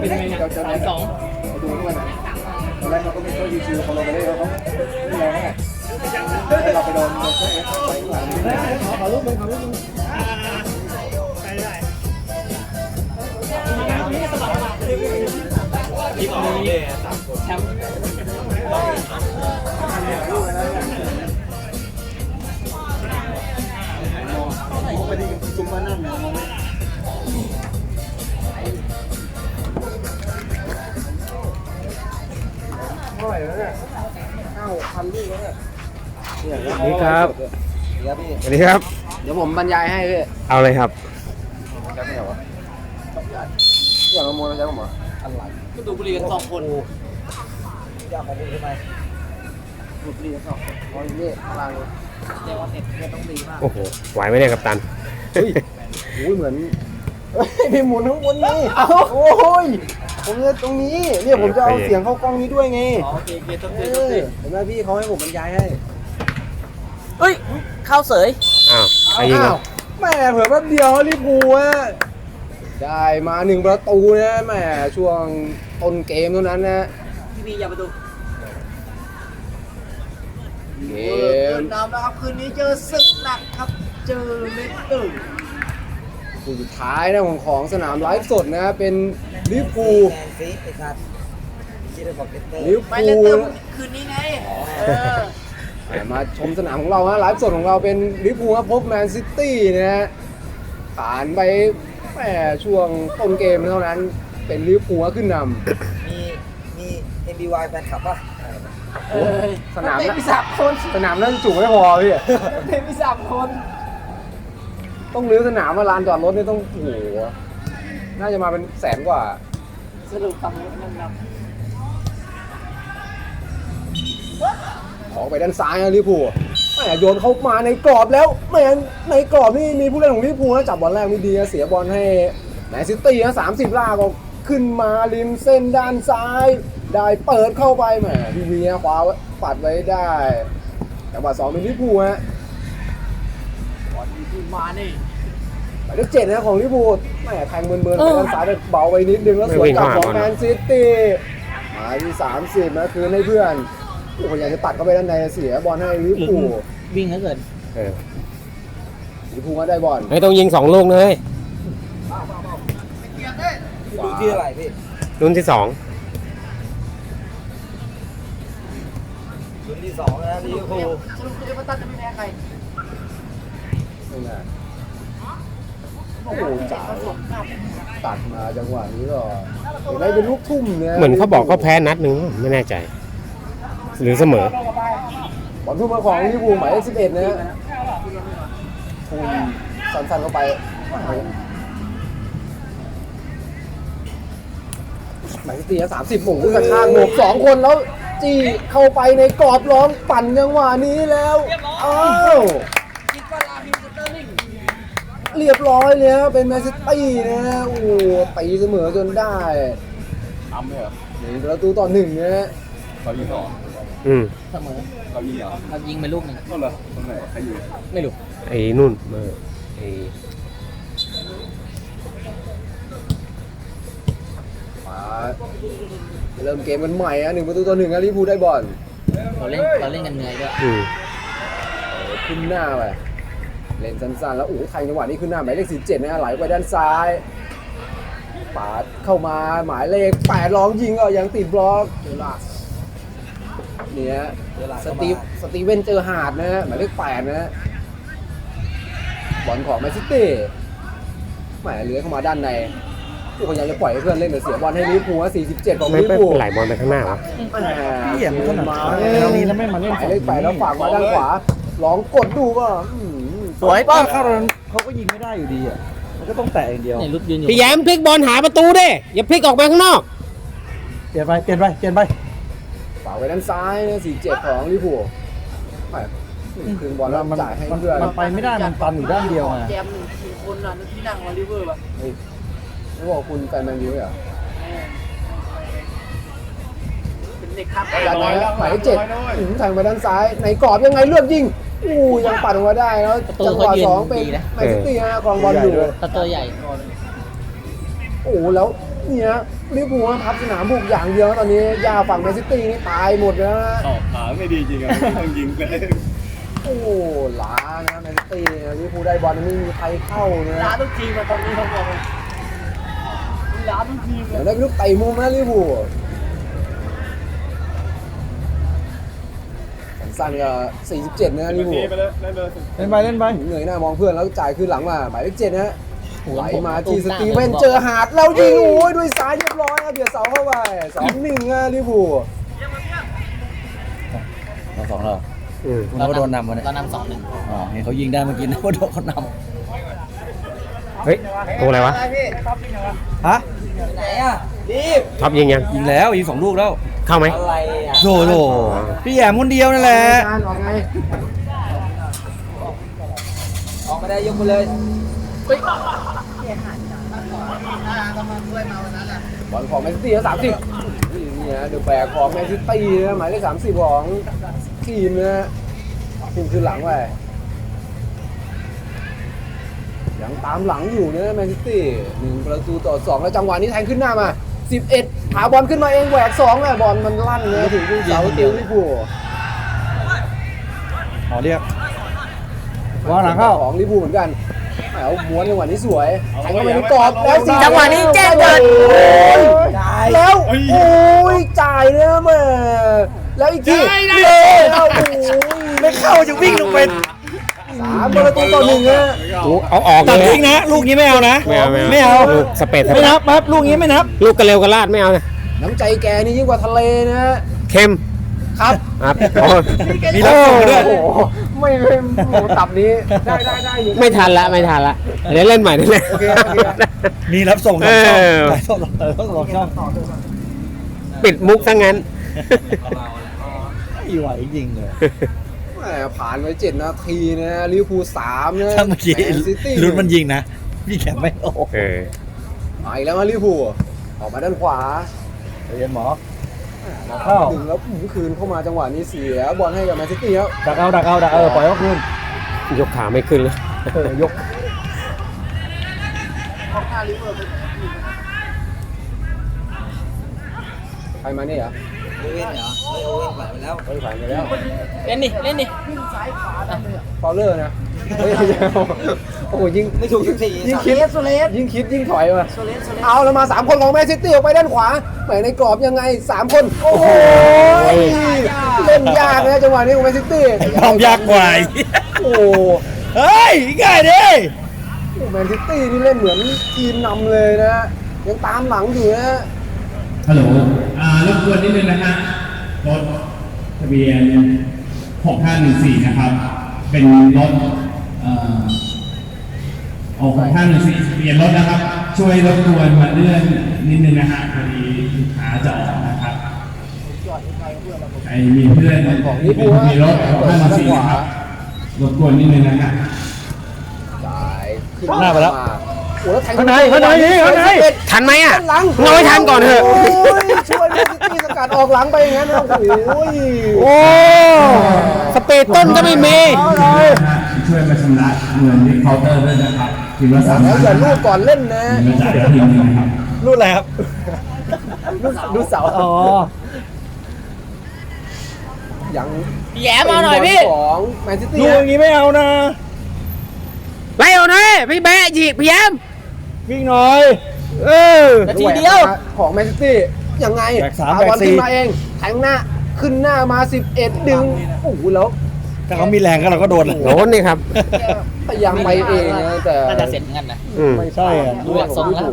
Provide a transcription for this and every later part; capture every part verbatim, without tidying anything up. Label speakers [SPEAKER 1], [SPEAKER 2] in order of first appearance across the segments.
[SPEAKER 1] เป็นไงเนี่ยสามสองดูทุกวันตอนแรกเราก็ไม่ค่อยชิวๆพอเราไปเล่นเราก็ไม่แรงไงเราไปโดนเราก็เอฟไปหลังขอขอรูปนึงขอรูปนึงไปได้ทีมนี้แชมป์ไปดีจุ่มมานั่งเนี่ยเท่าไหร่แล้วเนี่ยห้าหกพันลูกแล้วเนี่ย
[SPEAKER 2] สวัสดีครับ
[SPEAKER 1] เดี๋ยวพี่
[SPEAKER 2] สวัสดีครับ
[SPEAKER 1] เดี๋ยวผมบรรยายให้พี่
[SPEAKER 2] เอาเลยครับ
[SPEAKER 1] แค่ไหนวะเพื่อนมาโมยมาใช้ผมเหรออะไรก็ดูบุหรี่กันสองคนอยากของคุณทำไมดูบุหรี่กันสองคนเพราะนี่พลังเรียกว่าเน็ตเน็ตต้องดีมาก
[SPEAKER 2] โอ้โห ไหวไหมเนี่ยกัปตัน
[SPEAKER 1] เฮ้ยโอ้ยเหมือนพี่หมุนข้างบนนี่โอ้ยผมเนี่ยตรงนี้เนี่ยผมจะเอาเสียงเข้ากล้องนี้ด้วยไงโอเคโอเคต้องเสียเห็นไหมพี่เขาให้ผมบรรยายให้เฮ้ยเข้าเสย
[SPEAKER 2] อ้าวใครยิงอ่ะ
[SPEAKER 1] แม่เผื่อแป๊บเดียวลิปูอ่ะได้มาหนึ่งประตูนะแม่ช่วงต้นเกมเท่านั้นนะพี่บีอย่าประตูเกมน้ำนะครับคืนนี้เจอศึกหนักครับเจอเลสเตอร์คู่สุดท้ายนะของของสนามไลฟ์สดนะเป็นลิเวอร์พูลลิเวอร์พูลคืนนี้ไงมาชมสนามของเราฮะไลฟ์สดของเราเป็นลิเวอร์พูลครับพบแมนซิตี้นะฮะผ่านไปแหมช่วงต้นเกมเท่านั้นเป็นลิเวอร์พูลขึ้นนำ
[SPEAKER 3] มีมี เอ็ม บี วาย แฟนคลับป่ะ
[SPEAKER 1] สนามนั้นมีสามคนสนามนั้นจุไม่พอพี่เต็มมีสามคนต้องรื้อสนามมาลานจอดรถนี่ต้องโอ้โหน่าจะมาเป็นแสนกว่าสรุปทำให้มันนำออกไปด้านซ้ายนะลิเวอร์พูลแหมโยนเข้ามาในกรอบแล้วแหมในกรอบนี่มีผู้เล่นของลิเวอร์พูลนะจับบอลแรกไม่ดีนะเสียบอลให้แมนซิตี้นะสามสิบลากออกขึ้นมาริมเส้นด้านซ้ายได้เปิดเข้าไปแหมพี่วีนะคว้าปัดไว้ได้จังหวะสองเป็นลิเวอร์พูลฮะบอลที่มานี่หมายเลขเจ็ดนะของลิเวอร์พูลแหมแทงเบิร์นๆไปด้านซ้ายได้เบาไปนิดนึงแล้วสวนกลับของแมนซิตี้มาที่สามสิบนะคืนให้เพื่อนโอ้โหอยากจะตัดเข้าไปด้านในเสียบอลให้ลิเวอร์พูล
[SPEAKER 3] วิ่งแล้วเกิน
[SPEAKER 2] เออ
[SPEAKER 1] ลิเวอร์พูลก็ได้บอล
[SPEAKER 2] ไม่ต้องยิงสองลูกเลย
[SPEAKER 3] ดูที่อะไรพี่
[SPEAKER 2] รุ่นที่สอง
[SPEAKER 3] รุ่นที่สองนะลิเวอร์พูล
[SPEAKER 1] สรุปคือเอเวอร์ตันจะไม่แพ้ใครไม่แน่โอ้โหจ๋าตัดมาจังหวะนี้ก็เห็นได้เป็นลูกทุ่มเนี่ย
[SPEAKER 2] เหมือนเขาบอกเขาแพ้นัดหนึ่งไม่แน่ใจหรือเสม
[SPEAKER 1] อบอลทุ่มมาของลิเวอร์พูลหมายเลขสิบเอ็ดนะฮะทุ่มสั้นๆเข้าไปหมายเลขสี่สามสิบหม่งกระชากหมวกสองคนแล้วจี้เข้าไปในกรอบล้อมปั่นจังหวะนี้แล้วอ้าวเรียบร้อยเลยครับเป็นแมนซิตี้นะฮะโอ้โหตีเสมอจนได้ทำไหมเหรอหนึ่งประตูต่อหนึ่งนะฮะเรายิงต่อ
[SPEAKER 2] อืม
[SPEAKER 3] เสมอ
[SPEAKER 1] เรายิงเหรอ
[SPEAKER 3] เรายิงไปลูกหนึ่ง
[SPEAKER 1] ก็เหรอตรงไหนใครยิง
[SPEAKER 3] ไม่รู้
[SPEAKER 2] ไอ้นู่นเออไอ้
[SPEAKER 1] มาเริ่มเกมกันใหม่อ่ะหนึ่งประตูต่อหนึ่งนะลิเวอร์พูลได้บอล
[SPEAKER 3] เราเล่นเราเล่นกันเหนื่อยด้วย
[SPEAKER 2] อืม
[SPEAKER 1] ขึ้นหน้าไปเล่นสั้นๆแล้วโอ้โหไทยจังหวะนี้ขึ้นหน้าหมายเลขสิบเจ็ดนะไหลไปด้านซ้ายปาดเข้ามาหมายเลขแปดร้องยิงก็ยังติดบล็อกเนี่ยสตีฟสตีเว่นเจอหาดนะฮะหมายเลขแปดนะบอลของแมนซิตี้แหมเลื้อยเข้ามาด้านในพยายามจะปล่อยให้เพื่อนเล่นแต่เสียบอลให้ลิเวอร์พูลสี่สิบเจ็ดของลิเวอร์พูล
[SPEAKER 2] ไหลบอลไปข้างหน้าวะ
[SPEAKER 1] เหี้ยมันขนาดนี้แล้วไม่มาเล่นหมายเลขแปดแล้วฝากมาด้านขวาลองกดดูก็
[SPEAKER 3] สวยป่ะ
[SPEAKER 1] เข้าเขาก็ยิงไม่ได้อยู่ดีอ่ะมันก็ต้องแตะอย่างเดียว
[SPEAKER 2] พี่แย้มพลิกบอลหาประตูดิอย่าพลิกออกไปข้างนอก
[SPEAKER 1] เปลี่ยนไปเปลี่ยนไปเปลี่ยนไปฝากไว้ด้านซ้ายนะสี่เจ็ดของลิเวอร์พูลคืนบอลแล้วจ่ายให้เพื่อน
[SPEAKER 4] มันไปไม่ได้มันตันอยู่ด้านเดียวไง
[SPEAKER 1] แจมหนึ่งคนน่ะที่นั่งมาลิเวอร์ป่ะไม่บอกคุณแฟนแมนยูเหรอเป็นเด็กครับจากนั้นหมายเลขเจ็ดถึงทางไปด้านซ้ายในกรอบยังไงเลือกยิงอู้ยังปัดออกมาได้แล้วจังหวะสองเป็นแมนซิตี้ฮะครองบอลอยู่
[SPEAKER 3] ประตูใหญ่
[SPEAKER 1] โอ้แล้วเนี่ยลิเวอร์พูลพับสนามบุกอย่างเดียวตอนนี้ยาฝั่งแมนซิตี้นี่ตายหมดแล้วนะ
[SPEAKER 5] ออกขาไม่ดีจริงอะต้องยิงเลย
[SPEAKER 1] โอ้ล้านะแมนซิตี้ลิเวอร์พูลได้บอลไม่มีใครเข้านะ
[SPEAKER 3] ร้านทุกทีมมาตอนนี้เขาบอกร้านทุกทีม
[SPEAKER 1] เดี๋ยวได้เป็นลูกเตะมุมนะลิเวอร์พูลสั้นๆก็สี่สิบเจ็ดนะลิเวอร์พูล
[SPEAKER 5] ไปเลยเล่นเลย
[SPEAKER 4] เล่นไปเล่นไป
[SPEAKER 1] เหนื่อยหน้ามองเพื่อนแล้วจ่ายคืนหลังมาหมายเลขเจ็ดนะไหลมาที่สตีเวนเจอหาดแล้วยิงโอ้ยด้วยซ้ายเรียบร้อยนะเบียดเสาเข้าไปสองหนึ่งอะลิเวอร์พูล
[SPEAKER 4] เราสองเรา
[SPEAKER 2] อืม
[SPEAKER 4] คุณก็โดนนำมาเนี่ย
[SPEAKER 3] เรานำสองหนึ่ง
[SPEAKER 4] อ๋อเห็นเขายิงได้เมื่อกี้นะว่าโดนเขาน
[SPEAKER 2] เฮ้ยตัวอะไรวะ
[SPEAKER 4] ำฮะ
[SPEAKER 3] ไหนอ่ะรีบ
[SPEAKER 2] ท็อปยิงยัง
[SPEAKER 4] ยิงแล้วยิงสองลูกแล้ว
[SPEAKER 2] เข้าไหม
[SPEAKER 3] อะไรอ่ะ
[SPEAKER 4] โถโถพี่แหยมคนเดียวนั่นแหละ
[SPEAKER 1] การออกไง
[SPEAKER 3] ออกมาได้ยกไปเลย
[SPEAKER 1] บอลของแมนซิตี้สามสิบนี่นะเดอะแบกของแมนซิตี้นะหมายเลขสามสิบของทีมนะทีมคืนหลังไปยังตามหลังอยู่นะแมนซิตี้หนึ่งประตูต่อสองแล้วจังหวะนี้แทงขึ้นหน้ามาสิบเอ็ดหาบอลขึ้นมาเองแหวกสองเลยบอลมันลั่นเลยถึงเสาเตียวลิเวอร์พูล
[SPEAKER 4] ขอเรียกวางหลังเข้า
[SPEAKER 1] ของลิเวอร์พูลเหมือนกันเอาม้วนจังหวะนี้สวยแทงเข้าไปในกรอบแล้วสี่
[SPEAKER 3] จังหวะนี้แจ้งเกิด
[SPEAKER 1] แล้วโอ้ยจ่ายเนี่ยแม่แล้วอีกทีแล้วโอ้ย
[SPEAKER 4] ไม่เข้าจะวิ่งลงไป
[SPEAKER 1] สามประตูต่อหนึ่งอะ
[SPEAKER 2] โอ้เอาออก
[SPEAKER 4] ตั
[SPEAKER 2] เล
[SPEAKER 4] ด
[SPEAKER 2] ย
[SPEAKER 4] ทิ้งนะ ลูกนี้ไม่เอานะ
[SPEAKER 2] ไม่เอาไม่เอา
[SPEAKER 4] ไม่เอา
[SPEAKER 2] ลูกสเปซ
[SPEAKER 4] ไม่นับปั๊บลูกนี้ไม่นับ
[SPEAKER 2] ลูกกระเร็วกระลาดไม่เอานะ
[SPEAKER 1] น้ำใจแกนี่ยิ่งกว่าทะเลนะ
[SPEAKER 2] เค็ม
[SPEAKER 1] ครับ
[SPEAKER 2] ครับโอ้
[SPEAKER 4] มีรับส่งด้วย
[SPEAKER 1] โอ้โหไม่ไม่โอ้โหตับนี้ได้ได้ได้อยู่
[SPEAKER 2] ไม่ทันละไม่ทันละเดี๋ยวเล่นใหม่ได้เลย
[SPEAKER 1] โอเคโอเค
[SPEAKER 4] มีรับส่ง
[SPEAKER 2] เอ
[SPEAKER 4] สองช่อง
[SPEAKER 2] อ
[SPEAKER 4] หลายช่องเออต้องสองช่อง
[SPEAKER 2] ปิดมุกซะงั้น
[SPEAKER 4] อีไหวจริงเลย
[SPEAKER 1] แหมผ่านไปเจ็ดนาทีนะลิเวอร์พูลสามนะ
[SPEAKER 4] ถ้าเมื่อกี้
[SPEAKER 1] แมนซิตี้
[SPEAKER 4] ลุ้นมันยิงนะพี่แขกไม่โอ้
[SPEAKER 2] เออ
[SPEAKER 1] มาอีกแล้วมาลิเวอร์พูลออกมาด้านขวา
[SPEAKER 4] เรียนหมอ เข้า
[SPEAKER 1] ดึงแล้วหมุนคืนเข้ามาจังหวะนี้เสียบอลให้กับแมนซิตี้แล้ว
[SPEAKER 4] ดักเอาดักเอาดักเอาปล่อยเขาคืน
[SPEAKER 2] ยกขาไม่ขึ้นเลย
[SPEAKER 4] เออยก
[SPEAKER 1] ใครมาเนี่ยเหรอ
[SPEAKER 3] โอเว่นเหรอเฮ้ยโอเว่นผ่านไปแล้ว
[SPEAKER 1] เฮ้ยผ่านไปแล้ว
[SPEAKER 3] เล่นดิเล่นดิ
[SPEAKER 1] ฟาวเลอร์นะเฮ้ยโอ้โหยิง
[SPEAKER 3] ไม่ถูกทุกที
[SPEAKER 1] ยิงคิดยิ่งคิดยิ่งถอยมาเอาแล้วมาสามคนของแมนซิตี้ออกไปด้านขวาแหมในกรอบยังไงสามคนโอ้โหเล่นยากนะจังหวะนี้ของแมนซิตี้
[SPEAKER 4] ความยากกว่าอีก
[SPEAKER 1] โอ้โห
[SPEAKER 4] เฮ้ยง่ายดิ
[SPEAKER 1] แมนซิตี้นี่เล่นเหมือนทีมนำเลยนะยังตามหลังอยู่นะ
[SPEAKER 6] ฮัลโหล อ่ารบกวนนิดนึงนะฮะ รถทะเบียน หกห้าหนึ่งสี่ นะครับ เป็นรถ เอ่อหกห้าหนึ่งสี่ทะเบียนรถนะครับ ช่วยรบกวนมาเลื่อนนิดนึงนะฮะพอดีลูกค้าจะออกนะครับไอ้มีเพื่อน
[SPEAKER 1] ของ
[SPEAKER 6] ที่
[SPEAKER 1] ลิ
[SPEAKER 6] เป็น
[SPEAKER 1] เวอร์พูล
[SPEAKER 6] ทะเบียนรถ หกห้าหนึ่งสี่ นะครับ รบกวนนิดนึงนะฮะ
[SPEAKER 1] จ่ายขึ้น
[SPEAKER 4] หน้าไปแล้ว
[SPEAKER 1] โอ้แล้วแทง
[SPEAKER 4] ข้างในข้างในนี่ข้างใน
[SPEAKER 2] ทันไหมอ่ะ
[SPEAKER 1] หลัง
[SPEAKER 2] เอาให้ทันก่อนเถอะ
[SPEAKER 1] โยช่วยแมนซิตี้สกัดออกหลังไปอย่างนั้นนะโอ้ย
[SPEAKER 2] โอ้สเปซต้นก็ไม่มี
[SPEAKER 6] ช่วยมาชำระเงินที่เคาน์เตอร์ด้วยนะครับทีละสาม
[SPEAKER 1] แล้วอย่าลูกก่อนเล่นนะ
[SPEAKER 6] มาจ่ายทีนึงนะครับ
[SPEAKER 4] รุ่นอะไรครับ
[SPEAKER 1] ดูดูเสา
[SPEAKER 4] อ๋อ
[SPEAKER 1] ยัง
[SPEAKER 3] แย่มาหน่อยพี่
[SPEAKER 1] ของแมนซิตี้
[SPEAKER 4] ลูกอย่างนี้ไม่เอานะ
[SPEAKER 2] ไล่เอาหน่อยพี่แบะจีพี่แยม
[SPEAKER 4] วิ่งหน่อย
[SPEAKER 2] เออ
[SPEAKER 3] นาทีเดียว
[SPEAKER 1] ของแมนซิตี้ยังไง
[SPEAKER 4] แบกสาม
[SPEAKER 1] เอบอล
[SPEAKER 4] แบกสี่
[SPEAKER 1] ขึ้นมาเองแทงหน้าขึ้นหน้ามาสิบเอ็ดดึงโอ้โหแล้ว
[SPEAKER 4] ถ้าเขามีแรงก็เราก็โดนเลย
[SPEAKER 2] โดนนี่ครับ
[SPEAKER 1] พยายามไปเองนะแต่
[SPEAKER 3] น่าจะเสร็จเหมือนกันนะ
[SPEAKER 2] อืม
[SPEAKER 1] ไม่
[SPEAKER 4] ใช่อะ
[SPEAKER 3] ดูจากทรงแล้ว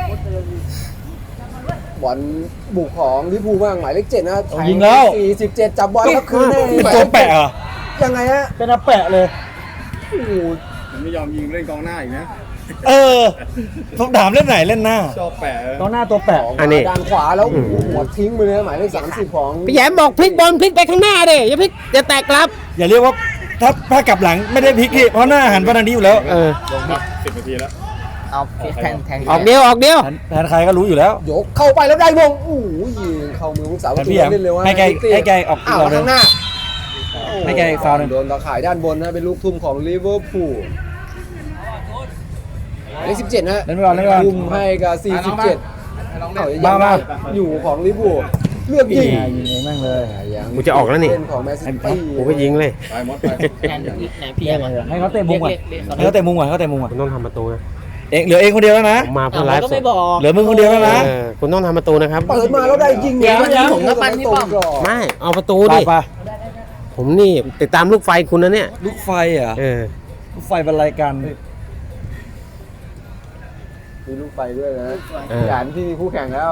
[SPEAKER 1] บอลบุกของลิเวอร์พูลบ้างหมายเลขเจ็ดนะ
[SPEAKER 4] เอายิงแล้ว
[SPEAKER 1] สี่สิบเจ็ดจับบอลแล้วคืนให้
[SPEAKER 4] เป็นตัวแปะเหรอ
[SPEAKER 1] ยังไงฮะ
[SPEAKER 4] เป็นอาแปะเลย
[SPEAKER 1] โอ้โห
[SPEAKER 5] ผมไม่ยอมยิงเล่นกองหน้าอีกนะ
[SPEAKER 4] เออต้องถามเล่นไหนเล่นหน้า
[SPEAKER 5] ชอบแปะ
[SPEAKER 4] ต้องหน้าตัวแปะ
[SPEAKER 1] ออก
[SPEAKER 2] อัน
[SPEAKER 1] มา
[SPEAKER 2] นี้
[SPEAKER 1] ด้านขวาแล้วโอ้โหหัวทิ้งไปเลยหมายเลขสามสิบของ
[SPEAKER 2] พี่แยมบอกพลิกบอลพลิกไปข้างหน้าดิอย่าพลิกอย่าแตกกลับ
[SPEAKER 4] อย่าเรียกว่าถ้าถ้ากลับหลังไม่ได้พลิกที่เพราะหน้าหันไปทางนี้อยู่แล้ว
[SPEAKER 2] เออ
[SPEAKER 5] ลงมาสิบนาทีแล้ว
[SPEAKER 3] เอาแทงแทง
[SPEAKER 2] ออกเดียวออกเดียว
[SPEAKER 4] หันแทนใครก็รู้อยู่แล้ว
[SPEAKER 1] ยกเข้าไปแล้วได้วงโอ้โหยิงเข้ามือของสาวประตู
[SPEAKER 4] พี่แอม
[SPEAKER 1] เล่นเร็ว
[SPEAKER 4] ให้แกให้แกออก
[SPEAKER 1] อ้าว
[SPEAKER 4] เราเลย
[SPEAKER 1] ข้างหน้า
[SPEAKER 4] ให้แกฟาวล์หนึ่ง
[SPEAKER 1] โดนตะข่ายด้านบนนะเป็นลูกทุ่มของลิเวอร์พูลหมายเลขสิบเจ็ดนะ
[SPEAKER 4] เล่นไปก่อนเล่นไปก่อน
[SPEAKER 1] ทุ่มให้กับสี่สิบเจ็ดเอายังได้อยู่ของลิเวอร์พูลเลือกยิง
[SPEAKER 4] ยิงเองแม่งเลย
[SPEAKER 1] ยัง
[SPEAKER 2] กูจะออกแล้วนี่
[SPEAKER 1] เล่นของแมนซิตี้
[SPEAKER 2] กูก็ยิงเลย
[SPEAKER 5] ไปมดไป
[SPEAKER 3] แอนแอนพี่ยังไง
[SPEAKER 4] ให้เขาเตะมุมก่อนให้เขาเตะมุมก่อนให้เขาเตะมุมก่อน
[SPEAKER 2] คุณต้องทำประตูนะ
[SPEAKER 4] เองเหลือเองคนเดียวแล้วนะ
[SPEAKER 2] ผมมาเพื่อไล
[SPEAKER 3] เรา
[SPEAKER 2] ฟ์
[SPEAKER 3] ก็
[SPEAKER 2] ส
[SPEAKER 3] ไม่
[SPEAKER 2] ด
[SPEAKER 3] บอก
[SPEAKER 4] เหลือมึงคนเดียวแล้วนะ
[SPEAKER 2] เออคุณต้องทำประตูนะครับ
[SPEAKER 1] เปิดมาแล้วได้ยิง
[SPEAKER 3] เดี๋ยวเดี๋ยวผมก็ปั้นพี่ป้อม
[SPEAKER 2] ไม่เอาประตู
[SPEAKER 4] ไป
[SPEAKER 2] ดิ
[SPEAKER 4] ไป
[SPEAKER 2] ผมนี่ติดตามลูกไฟคุณนะเนี่ย
[SPEAKER 4] ลูกไฟเหรอ่ะ
[SPEAKER 2] เออ
[SPEAKER 4] ลูกไฟบรรลัยกัน
[SPEAKER 1] มีลูกไปด้วยนะ
[SPEAKER 2] เออ
[SPEAKER 1] หยานที่มีคู่แข่งแล้ว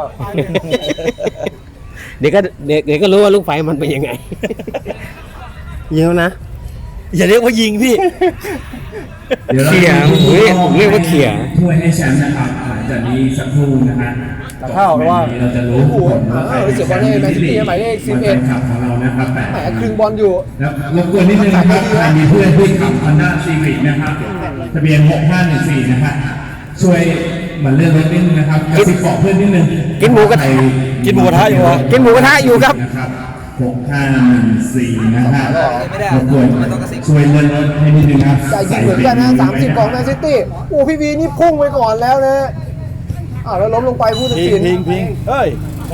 [SPEAKER 2] เดี๋ยวก็เดี๋ยวเดี๋ยวก็รู้ว่าลูกไฟมันเป็นยังไง เยอะนะ
[SPEAKER 4] อย่าเรียกว่ายิงพี่
[SPEAKER 6] เดี๋ยวเรา
[SPEAKER 2] เขี่ย
[SPEAKER 6] จะมี
[SPEAKER 2] เฮ้ยผมเรียกว่าเขี่ย
[SPEAKER 6] ถ้วยให้แชมป์นะครับหลังจากนี้สักครู่นะฮะ
[SPEAKER 4] แต่เข้าหรือว่า
[SPEAKER 6] เราจะรู้ผลว่าใครเป็นแชมป์ที่ดีหมายเลขสิบเอ็ดของเรานะครับแปด
[SPEAKER 1] แหมครึ่งบอลอยู่
[SPEAKER 6] แล้วรบกวนนิดนึงนะครับใครมีเพื่อนที่ขับ Honda Civic นะครับทะเบียนหกห้าหนึ่งสี่นะฮะช่วยมาเลื่อนรถนิดนึงนะครับกระซิบบอกเพื่อนนิดนึง
[SPEAKER 2] กินหมูกระทะ
[SPEAKER 4] กินหมูกระทะอยู่เหรอ
[SPEAKER 2] กินหมูกระทะอยู่ครับ
[SPEAKER 6] นะครับหกห้าหนึ่งสี่นะฮะรบกวนช่วยเลื่อนรถให้นิดนึงครับ
[SPEAKER 1] จ่ายยิงเหมือนกันนะสามสิบของแมนซิตี้โอ้พี่วีนี่พุ่งไปก่อนแล้วนะอ้าวแล้วล้มลงไปผู้ตัด
[SPEAKER 4] พิ
[SPEAKER 1] สิ
[SPEAKER 4] ง
[SPEAKER 1] น
[SPEAKER 4] พิงพิงเฮ้ย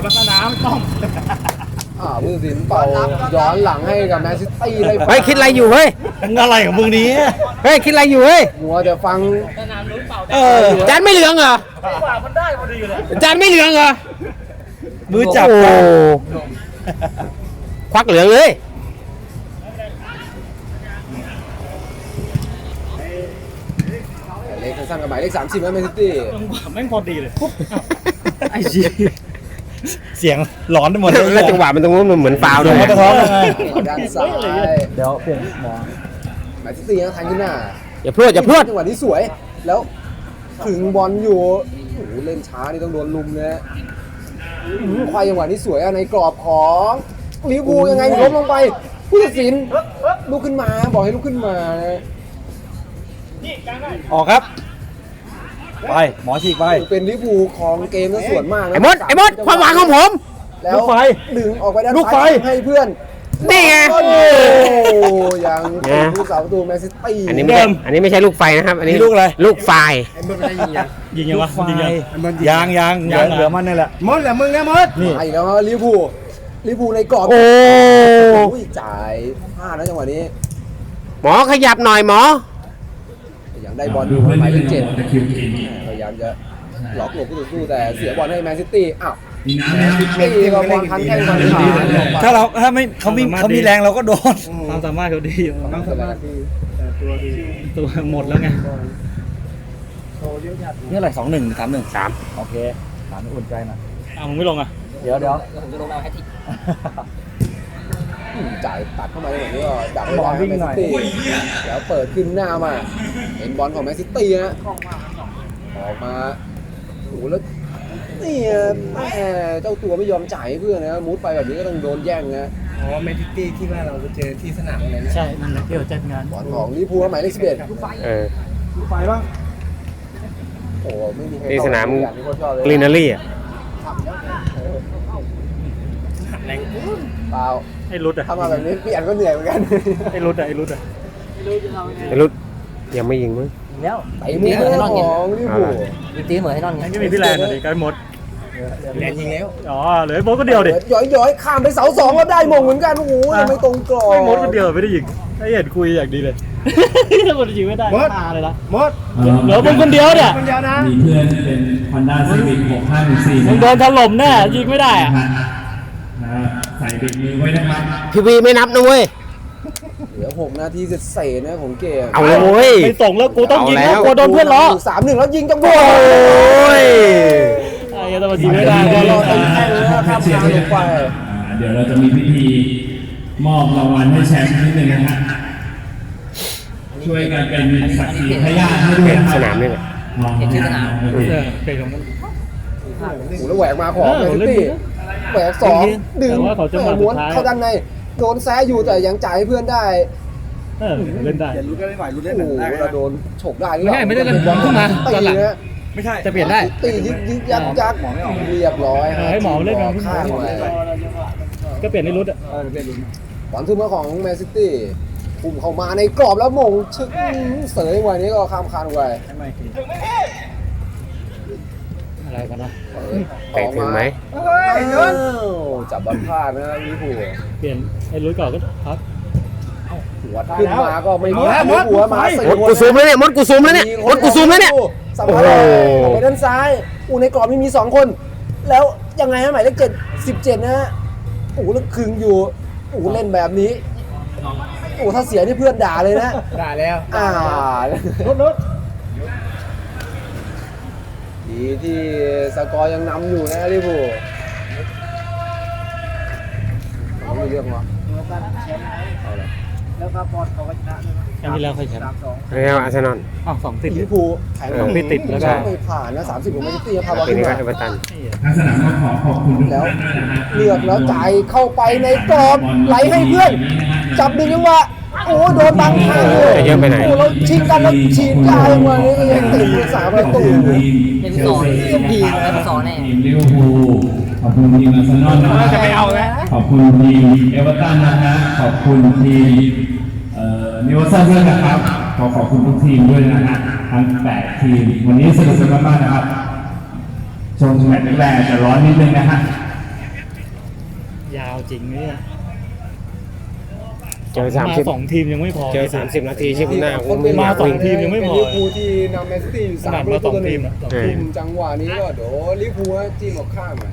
[SPEAKER 1] อ่าผู้ตัดสินเป่าย้อนหลังให้กับแมนซิตี้เลย
[SPEAKER 2] เฮ้ยคิดอะไรอยู่เฮ้ย
[SPEAKER 4] มึงอะไรของมึงเนี้
[SPEAKER 2] เฮ้ยคิดอะไรอยู่เฮ้ย
[SPEAKER 1] มัวจะฟัง
[SPEAKER 4] เออ
[SPEAKER 2] จานไม่เหลืองเหรอจานไม่เหลืองเหรอ
[SPEAKER 4] มือจับ
[SPEAKER 2] โอ้
[SPEAKER 4] กัน
[SPEAKER 2] ควักเหลืองเลย
[SPEAKER 1] เลขสั้นๆกับหมายเลขสามสิบแล้วแมนซิตี้
[SPEAKER 4] ไอ้ชี้เสียงหลอนไปหมดเลย
[SPEAKER 2] แล้วจังหวะมันตรงนู้นมันเหมือนฟาวล์
[SPEAKER 4] เดี๋
[SPEAKER 2] ด้วย ยว
[SPEAKER 4] เขาจะท้องยังไง
[SPEAKER 1] ด้านซ้าย
[SPEAKER 4] เดี๋ยวเปลี่ยนหมอ
[SPEAKER 1] แมนซิตี้นะทันขึ้นหน้า
[SPEAKER 2] อย่าพรวดอย่าพรวด
[SPEAKER 1] จังหวะนี้สวย แล้วถึงบอลอยู่โอ้โหเล่นช้านี่ต้องโดนลุมเลยนะอื้อหือควายจังหวะนี้สวยอะในกรอบของลิเวอร์พูลยังไงล้มลงไปผู้ตัดสินลุกขึ้นมาบอกให้ลุกขึ้นมานะ
[SPEAKER 4] ออกครับ ไปหมอฉีกไป
[SPEAKER 1] เป็นลิเวอร์พูลของเกมก็ส่วนมากนะ
[SPEAKER 2] ไอ้มดไอ้มดความหวังของผม
[SPEAKER 1] แล้ว
[SPEAKER 4] ลูกไฟ
[SPEAKER 1] ดึงออกไปด้าน
[SPEAKER 4] ลูกไฟ
[SPEAKER 1] ซ้ายให้เพื่อน
[SPEAKER 2] นี่ไง
[SPEAKER 1] โอ้โหยัง
[SPEAKER 2] ไง
[SPEAKER 1] เป็นผู้สาวประตูแมนซิตี้
[SPEAKER 2] อันนี้ไม่ใช่อันนี้ไม่ใช่ลูกไฟนะครับ อันนี้
[SPEAKER 4] นี่ลูกอะไร
[SPEAKER 2] ลูกไฟ
[SPEAKER 4] ยิงยังวะยิงยังยางยางยางเหลือมันนี่แหละ
[SPEAKER 5] มดแหละมึงนะมด
[SPEAKER 4] นี่
[SPEAKER 1] ไปแล้วครับลิเวอร์พูลลิเวอร์พูลในกรอบ
[SPEAKER 2] โอ้
[SPEAKER 1] โอ้ยจ่ายพลาดนะจังหวะนี้
[SPEAKER 2] หมอขยับหน่อยหมอ
[SPEAKER 1] ยังได้บอลอ
[SPEAKER 6] ดู
[SPEAKER 1] ยู่
[SPEAKER 6] เพื่อน
[SPEAKER 1] หมายเล
[SPEAKER 6] นิด
[SPEAKER 1] ข
[SPEAKER 6] นึ
[SPEAKER 1] เจ็ด
[SPEAKER 6] งตะคริวกิน
[SPEAKER 1] พยายามจะล็อกหลบผู้ต่อสู้แต่เสียบอลให้แมนซิตี้อ้าว
[SPEAKER 6] มีน้ำนะครับ
[SPEAKER 1] ตีกับบอลพันแข้งพันขาลงไป
[SPEAKER 4] ถ้าเราถ้าไม่เขามีเขามีแรงเราก็โดน
[SPEAKER 7] ความสามารถเขาดีอยู่
[SPEAKER 1] ต้องสมาธิ
[SPEAKER 7] ตัวหมดแล้วไง
[SPEAKER 4] นี่อะไรสองหนึ่งสามหนึ่ง
[SPEAKER 2] สาม
[SPEAKER 4] โอเคสามอุ่นใจหน่อย
[SPEAKER 7] อ้าวมึงไม่ลงอ่ะ
[SPEAKER 4] เดี๋ยวเดี๋ยว
[SPEAKER 3] ผมจะลงเอาแฮตติก
[SPEAKER 1] อืมจ่ายตัดเข้ามาในแบบนี้ก็ดักไว้ได้แมนซิตี้แล้วเปิดขึ้นหน้ามาเป็นบอลของแมนซิตี้นะออกมาโอ้โหแล้วนี่แม่เจ้าตัวไม่ยอมจ่ายให้เพื่อนนะมุดไปแบบนี้ก็ต้องโดนแย่งนะ
[SPEAKER 5] อ๋อแมนซิตี้ที่ว่าเราเจอที่สนามอะไรนะ
[SPEAKER 7] ใช่นั่นแหละเดี๋ยวจัดงาน
[SPEAKER 1] บอลของลิเวอร์พูลหมายเลขสิบเอ็ด
[SPEAKER 2] เออ
[SPEAKER 5] ไฟบ้าง
[SPEAKER 1] โอ้โหไม่มีใคร
[SPEAKER 2] ที่สนาม
[SPEAKER 1] อย่างที่โค้ชชอบเลย
[SPEAKER 2] กรีนารี่อ่ะ
[SPEAKER 1] เปล่า
[SPEAKER 7] ไอ้รุดอ่ะ
[SPEAKER 1] ถ้ามาแบบนี้พี่อันก็เหนื่อยเหมือนกัน
[SPEAKER 7] ไอ้รุดอ่ะไอ้รุดอ่ะ
[SPEAKER 2] ไอ้รุดยังไม่ยิงมั้ง
[SPEAKER 3] แล้ว
[SPEAKER 1] ไอ้มือของลิเวอร์พูล
[SPEAKER 3] อีกตีเหมือนให้นอนไง
[SPEAKER 7] ไอ้ไม่มีพี่แลนด์อะดิกันหมด
[SPEAKER 5] แลนยิงแล้ว
[SPEAKER 7] อ๋อเหลือไอ้โบ๊ทก็เดียวดิ
[SPEAKER 1] ย้อยย้อยๆข้ามไปเสาสองแล้วได้มงเหมือนกันโอ้โหยังไม่ตรงกรอบ
[SPEAKER 7] ไอ้โบ๊ทก็เดียวไม่ได้ยิงไอ้เห็นคุยอย่างดีเลยถ้าคนยิงไม่ได้ตาเลยละ
[SPEAKER 5] มด
[SPEAKER 7] เหลือมึงคนเดียวเนี่ย
[SPEAKER 5] คนเดียวนะ
[SPEAKER 6] มีเพื่อนเป็น Honda Civic หกห้าหนึ่งสี่
[SPEAKER 7] มึงโดนถล่มแน่ยิงไม่ได้อะ
[SPEAKER 6] ใส่เบรกมือไว้นะครับ
[SPEAKER 2] พี่วีไม่นับนะเว้ย
[SPEAKER 1] เหลือหกนาทีเศษๆนะของเกม
[SPEAKER 2] เอาเลยเว้ย
[SPEAKER 7] ไม่ส่งแล้วกูต้องยิง
[SPEAKER 2] เอาแล้ว
[SPEAKER 7] กูกลัวโดนเพื่อนล้อ
[SPEAKER 1] สามหนึ่งแล้วยิงจังหวะ
[SPEAKER 2] โอ้ย
[SPEAKER 7] ไอ้เหี้ยแต่มันยิงไม่ได้
[SPEAKER 1] รอ
[SPEAKER 7] เลย
[SPEAKER 1] รอตีแข้งแล้วข้ามทางลงไป
[SPEAKER 6] อ่าเดี๋ยวเราจะมีพิธีมอบรางวัลให้แชมป์นิดนึงนะฮะช่วยกันเป็นสักขีพยานให้ด้วยะครับ
[SPEAKER 2] สนามนี่แหละ
[SPEAKER 3] เห็นชื่อสนาม
[SPEAKER 6] โอเค
[SPEAKER 7] เออเป็นของมัน
[SPEAKER 1] โอ้โหแล้วแหวกมาของแมนซิตี้แหวกสองดึง
[SPEAKER 7] แต่ว่าเขาจะมา
[SPEAKER 1] ม้วน
[SPEAKER 7] สุดท้าย
[SPEAKER 1] เข้าด้านในโดนแซะอยู่แต่ยังจ่ายให้เพื่อนได้
[SPEAKER 7] เออเล่นได้
[SPEAKER 5] อย่ารู้ได้ไม่ไหวรู้ได้
[SPEAKER 1] โอ้
[SPEAKER 5] หนั
[SPEAKER 1] โห
[SPEAKER 5] กได้
[SPEAKER 1] เราโดนฉกได้หรือ
[SPEAKER 7] ไม่
[SPEAKER 1] เป
[SPEAKER 7] ใช่
[SPEAKER 1] ล่า
[SPEAKER 7] ไม่ได้เล่นบอลขึ้นมา
[SPEAKER 1] ตี
[SPEAKER 7] ตอนหลัง
[SPEAKER 1] นะ
[SPEAKER 5] ไม่ใช่
[SPEAKER 7] จะเปลี่ยนได้
[SPEAKER 1] ตียึกยึกยักยักเรียบร้อย
[SPEAKER 7] เออให้หมอเล่นบอลขึ้นมา
[SPEAKER 1] ข้างไว้
[SPEAKER 7] ก็เปลี่ยนในรุดอ่ะ
[SPEAKER 5] เออเป็นลุ้น
[SPEAKER 1] บอลทุ่มมาของแมนซิตี้พุ่มเข้ามาในกรอบแล้วมงชึกเสยไว้นี้ก็ข้ามคานไว้
[SPEAKER 7] อะไร
[SPEAKER 4] อะไรกันนะ
[SPEAKER 2] แตะถึงไหม
[SPEAKER 1] อ้าวจับบอลพลาดนะลิเวอร์พูล
[SPEAKER 7] เปลี่ยนไอ้ลุยก่อนก็พัก
[SPEAKER 1] หัวขึ้นมาก็ไม่มีไม่หัวมาสี่
[SPEAKER 2] มดกูซูมแล้วเนี่ยมดกูซูมแล้วเนี่ยมดกูซูมแล้วเนี่ย
[SPEAKER 1] สัมภาระออกไปด้านซ้ายอูในกรอบนี่มีสองคน แล้วยังไงฮะหมายเลขเจ็ดสิบเจ็ดนะฮะโอ้โหแล้วคึงอยู่โอ้โหเล่นแบบนี้โอ้โหถ้าเสียนี่เพื่อนด่าเลยนะ
[SPEAKER 5] ด่าแล้ว
[SPEAKER 1] อ่า
[SPEAKER 7] นุดนุด
[SPEAKER 1] ดีที่สกอร์ยังนำอยู่นะลิเวอร์พูลไม่มีเรื่องหรอ
[SPEAKER 3] แล้วก็บอลเขาก็ชนะด้วยนะ
[SPEAKER 7] ครั้งที่แล้วใครแชมป์
[SPEAKER 3] สามสอง
[SPEAKER 2] แล้วอาร์เซนอล
[SPEAKER 7] อ้าวสองติด
[SPEAKER 1] ลิเวอร์พูลแข่ง
[SPEAKER 2] เออ
[SPEAKER 1] ไม่
[SPEAKER 7] ติดแล้วก็
[SPEAKER 1] ไม่ผ่านนะสามสิบของแมนซิตี้พาบอล
[SPEAKER 2] ปี
[SPEAKER 1] ขึ้น
[SPEAKER 2] นี้ก็
[SPEAKER 1] มา
[SPEAKER 2] เอเวอร์ตัน
[SPEAKER 6] ทางสนามก็ขอขอบคุณทุก
[SPEAKER 1] แล้ว
[SPEAKER 6] ท่านด้วยนะฮะ
[SPEAKER 1] เลือกแล้วจ่ายเข้าไปในกรอบไหลให้เพื่อน จับดึงจังหวะโอ้โหโดนบังข้างเลย
[SPEAKER 2] จะเยอะไปไหน
[SPEAKER 1] โอ้เราชิงกันแล้วฉีดยาวมานี่ก็ยังติดอยู่สามประตู
[SPEAKER 3] เป็นสองทีมแล้วเป็นสองแน่
[SPEAKER 6] ทีมลิเวอร์พูลขอบคุณทีมอาร์เซนอลนะฮะจะไปเอาแล้วขอบคุณทีมเอเวอร์ตันนะฮะขอบคุณทีมเอ่อนิวคาสเซิลด้วยนะครับขอขอบคุณทุกทีมด้วยนะฮะทั้งแปดทีมวันนี้สนุกสนานมากๆนะครับชมแมตช์แรกๆจะร้อนนิดนึงนะฮะ
[SPEAKER 7] ยาวจริงเนี่ย
[SPEAKER 2] เจอสามสิบ
[SPEAKER 7] สองทีมยังไม่พอ
[SPEAKER 2] เจอสามสิบนาทีชิบหน้ากู
[SPEAKER 7] มาสองทีมยังไม่พอ
[SPEAKER 1] ลิเวอร์พูลที่นำแมนซิตี้อยู่
[SPEAKER 7] ข
[SPEAKER 1] สา
[SPEAKER 7] นา
[SPEAKER 1] ม
[SPEAKER 7] ด
[SPEAKER 1] ป
[SPEAKER 7] มา
[SPEAKER 1] ระ
[SPEAKER 7] ส
[SPEAKER 1] ตู
[SPEAKER 7] อง
[SPEAKER 1] ต่อห
[SPEAKER 7] ที
[SPEAKER 1] นึ่
[SPEAKER 7] ม
[SPEAKER 1] ง
[SPEAKER 7] นะสอง
[SPEAKER 2] เออ
[SPEAKER 7] ทีม
[SPEAKER 1] จังหวะนี้ก็เดี๋ยวลิเวอร์พูลจิ้มออกข้างหน่อย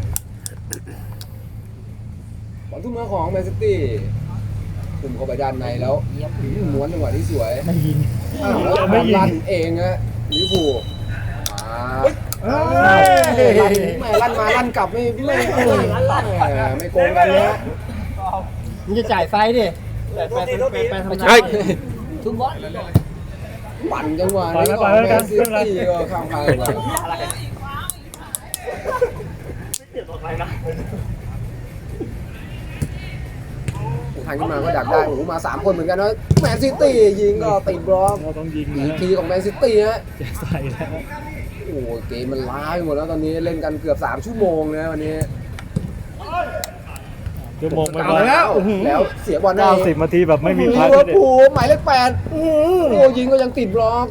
[SPEAKER 1] บอลทุ่มมาของแมนซิตี้ทุ่มเข้าไปด้านในแล้วม้วนจังหวะที่สวย
[SPEAKER 7] ไม่ยิง
[SPEAKER 1] อ้าวแล้ว
[SPEAKER 7] ไม่ยิง
[SPEAKER 1] ลั่นเองฮะลิเวอร์พูลอ่า
[SPEAKER 7] เอ้ย
[SPEAKER 1] ลั่นไม่ลั่นมาลั่นกลับไม่ไม่ไม่ไม่โกงกันเลยฮะ
[SPEAKER 3] มึงจะจ่ายไฟดิจ่ายไฟเป็นเป็นเป็นทำไม
[SPEAKER 2] เฮ้ย
[SPEAKER 3] ทุบบอล
[SPEAKER 1] ปั่นจังหวะนี้ของแมนซิตี้ก็ข้ามไปทางขึ้นมาก็ดักได้โอ้โหมาสามคนเหมือนกันนะแมนซิตี้ยิงก็ติดบล็อก
[SPEAKER 7] เราต้องยิง
[SPEAKER 1] อี
[SPEAKER 7] นะ
[SPEAKER 1] กทีของแมนซิตี้ฮะ
[SPEAKER 7] จะใส่แล้ว
[SPEAKER 1] โอ้โหเกมมันล้าไปหมดแล้วตอนนี้เล่นกันเกือบสามชั่วโมงนะวันนี้
[SPEAKER 7] ชั่วโมงไม่พ
[SPEAKER 1] เอา
[SPEAKER 7] อ
[SPEAKER 1] แล้วแล้วเสียบอลได้
[SPEAKER 7] เก้าสิบนาทีแบบไม่มีพัก
[SPEAKER 1] ลิเวอร์พูลหมายเลขแปดโอ้โหยิงก็ยังติดบล็อก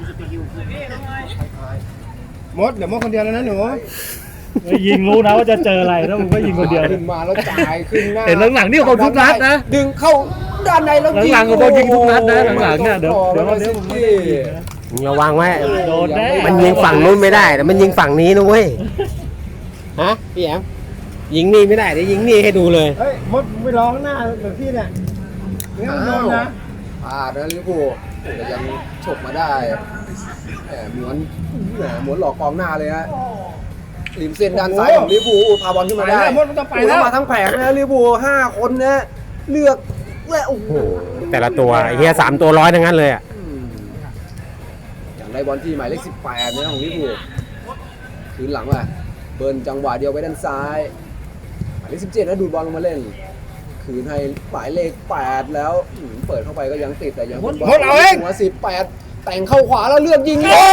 [SPEAKER 5] มดเดี๋ยวมดคนเดียวแล้วนะหนู
[SPEAKER 7] ไม่ยิงรู้นะว่าจะเจออะไรแล้วมึงก็ยิงคนเดียว
[SPEAKER 1] ขึ้นมาแล้วจ่ายขึ้นหน้า
[SPEAKER 7] เห็นหลังๆนี่เขาทุกนัดนะ
[SPEAKER 1] ดึงเข้าด้านในแล้วยิง
[SPEAKER 7] หลังๆเขาบอกยิงทุกนัดนะหลังๆเนี่ยเดี๋ยวเดี๋ยว
[SPEAKER 1] แมน
[SPEAKER 7] เดี๋ยว
[SPEAKER 1] ซิ
[SPEAKER 7] ผมไม่
[SPEAKER 1] ตี้
[SPEAKER 7] ได้ยิงนะ
[SPEAKER 2] มึงระวังไว้
[SPEAKER 7] โดนแน่
[SPEAKER 2] มันยิงฝั่งนู้นไม่ได้แต่มันยิงฝั่งนี้นะเว้ย ฮะพี่แอมยิงนี่ไม่ได้เดี๋ยวยิงนี่ให้ดูเลย
[SPEAKER 5] เฮ้ยมดไปร้องหน้าเหมือนพี่เนี่ยเนี่ยมันโดนนะ
[SPEAKER 1] พลาดนะลิเวอร์พูลแต่ยังฉกมาได้แหมหมวนแหมหมวนหลอกกองหน้าเลยฮะริมเส้นด้านซ้ายของลิเวอร์พูลพาบอลขึ้นมาได้
[SPEAKER 5] ไปแล้วมดมันจะไปแล้ว
[SPEAKER 1] โอ้โหมาทั้งแผงนะลิเวอร์พูลห้าคนนะเลือกและโอ้โห
[SPEAKER 2] แต่ละตัวไอ้เฮียสามตัวร้อยทั้งนั้นเลยอ่ะ
[SPEAKER 1] อืมอย่างได้บอลที่หมายเลขสิบแปดเนี่ยของลิเวอร์พูลคืนหลังว่ะเบิร์นจังหวะเดียวไปด้านซ้ายหมายเลขสิบเจ็ดนะดูดบอลลงมาเล่น คืนให้หมายเลขแปดแล้วอืมเปิดเข้าไปก็ยังติดแต่ยังเป็นบอล
[SPEAKER 5] หมดเอาเอง
[SPEAKER 1] หัวสิบแปดแต่งเข้าขวาแล้วเลือกยิง
[SPEAKER 2] เย้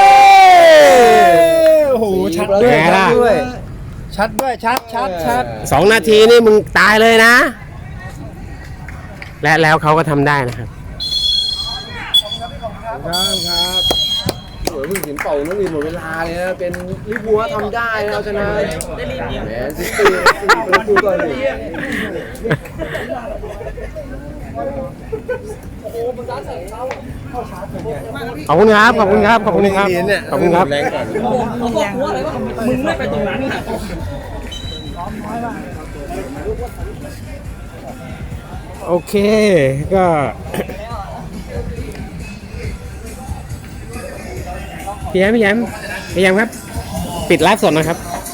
[SPEAKER 5] โอ้โหชัด
[SPEAKER 1] สี่ประ
[SPEAKER 5] ด้วย
[SPEAKER 2] ไงล่ะ
[SPEAKER 5] ชัดด้วยชัดด้วยชัดชัดชัด
[SPEAKER 2] สองนาทีนี่มึงตายเลยนะ และแล้วเขาก็ทำได้นะครับ
[SPEAKER 1] ครับครับโอ้ยเพิ่งเห็นเป่านักเรียนหมดเวลาเลยนะเป็นลิเวอร์พูลทำได้นะเอาชนะแมนซิตี้สี่ประตูต่อหนึ่ง
[SPEAKER 2] ขอบคุณครับ ขอบคุณครับ ขอบคุณครับ ขอบคุณครับ
[SPEAKER 3] มึงไม่ไปตรงนั้น
[SPEAKER 2] โอเค ก็ พี่แยมพี่แยมพี่แยมครับ ปิดไลฟ์สดนะครับ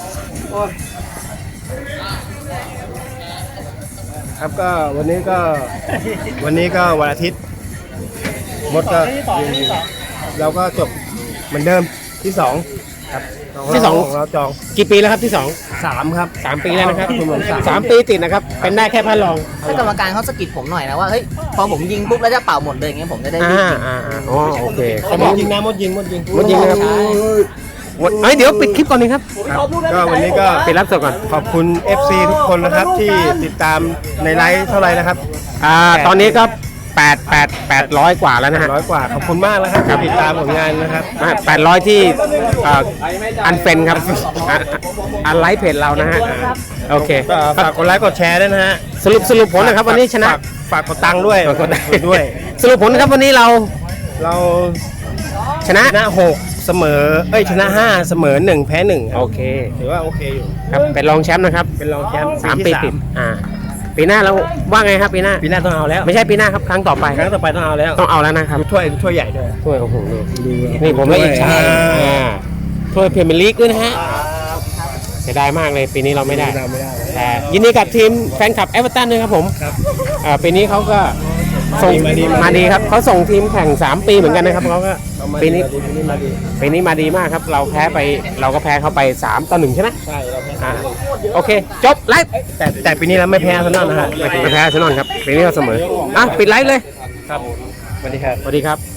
[SPEAKER 5] ครับก็วันนี้ก็วันนี้ก็วันอาทิตย์มดก็เราก็จบเหมือนเดิมที่สองครับ
[SPEAKER 2] ที่สอง
[SPEAKER 5] ของเราจอง
[SPEAKER 2] กี่ปีแล้วครับที่สอง
[SPEAKER 5] สามครับ
[SPEAKER 2] สามปีแล้วนะครับ
[SPEAKER 5] รวมๆสาม
[SPEAKER 2] สามปีติดนะครับ เป็นได้แค่พันรอง
[SPEAKER 3] ถ้ากรรมการเขาสะกิดผมหน่อยนะว่าเฮ้ยพอผมยิงปุ๊บแล้วจะเป่าหมดเลยอย่างเงี้ยผมจะได้รี
[SPEAKER 2] อ่า
[SPEAKER 3] บยิง
[SPEAKER 2] อ่าอ่าอ๋อโอเค
[SPEAKER 5] เขามดยิงนะมดยิงมดยิง
[SPEAKER 2] มดยิงนะครับวันเอ้ยเดี๋ยวปิดคลิปก่อนนึงครับ
[SPEAKER 5] ครับก็วันนี้ก็
[SPEAKER 2] ปิดไลฟ์สดก่อน
[SPEAKER 5] ขอบคุณ เอฟ ซี ทุกคนนะครับที่ติดตามในไลฟ์เท่าไหร่นะครับ
[SPEAKER 2] อ่า ตอนนี้ก็แปดแปดแปดร้อยกว่าแล้วนะฮะ
[SPEAKER 5] ร้อยกว่าขอบคุณมากแล้วครับที่ติดตามผลงานนะครับ
[SPEAKER 2] แปดร้อยที่อันเฟนครับอันไลฟ์เพจเรานะฮะโอเค
[SPEAKER 5] ก็ฝากกดไลค์กดแชร์ด้วยนะฮะ
[SPEAKER 2] สรุปสรุปผลนะครับวันนี้ชนะ
[SPEAKER 5] ฝากฝากกดตังค์ด้วย
[SPEAKER 2] ฝากกด
[SPEAKER 5] ด้วย
[SPEAKER 2] สรุปผลนะครับวันนี้เรา
[SPEAKER 5] เรา
[SPEAKER 2] ชนะ
[SPEAKER 5] ชนะหกเสมอเอ้ยชนะห้าเสมอหนึ่งแพ้หนึ่ง
[SPEAKER 2] โอเค
[SPEAKER 5] ถือว่าโอเคอยู่
[SPEAKER 2] ครับเป็นรองแชมป์นะครับ
[SPEAKER 5] เป็นรองแชมป์
[SPEAKER 2] สามปี
[SPEAKER 5] ที่
[SPEAKER 2] ติดอ่าปีหน้าเราว่าไงครับปีหน้า
[SPEAKER 5] ปีหน้าต้องเอาแล้ว
[SPEAKER 2] ไม่ใช่ปีหน้าครับครั้งต่อไป
[SPEAKER 5] ครั้งต่อไปต้องเอาแล้ว
[SPEAKER 2] ต้องเอาแล้วนะครับ
[SPEAKER 5] ดูถ้วยดูถ้วยใหญ่ด้วย
[SPEAKER 2] ถ้วยโอ้โหนี่ผมไม่อิจฉา
[SPEAKER 5] อ่า
[SPEAKER 2] อ่าถ้วยพรีเมียร์ลีกด้วยนะฮะเสียดายมากเลยปีนี้เราไม่ได้
[SPEAKER 5] เราไม่ได้
[SPEAKER 2] แต่ยินดีกับทีมแฟนคลับเอเวอร์ตันด้วยครับผมอ่าปีนี้เขาก็ส่ง
[SPEAKER 5] มาดี
[SPEAKER 2] มาดีครับเขาส่งทีมแข่งสามปีเหมือนกันนะครับเขาก็
[SPEAKER 5] เอามา
[SPEAKER 2] ปีนี้
[SPEAKER 5] ปีนี้มาดี
[SPEAKER 2] ปีนี้มาดีมากครับ เราแพ้ไปเราก็แพ้เขาไปสามต่อหนึ่งใช่ไหม
[SPEAKER 5] ใช่เราแพ้
[SPEAKER 2] อ่าโอเค จบไลฟ์
[SPEAKER 5] แต่แต่ปีนี้เราไม่แพ้อาร์เซนอลนะฮะ
[SPEAKER 2] ไม่แพ้อาร์เซนอลครับปีนี้เราเสมออ่ะปิดไลฟ์เลย
[SPEAKER 5] ครับสวัสดีครับ
[SPEAKER 2] สวัสดีครับ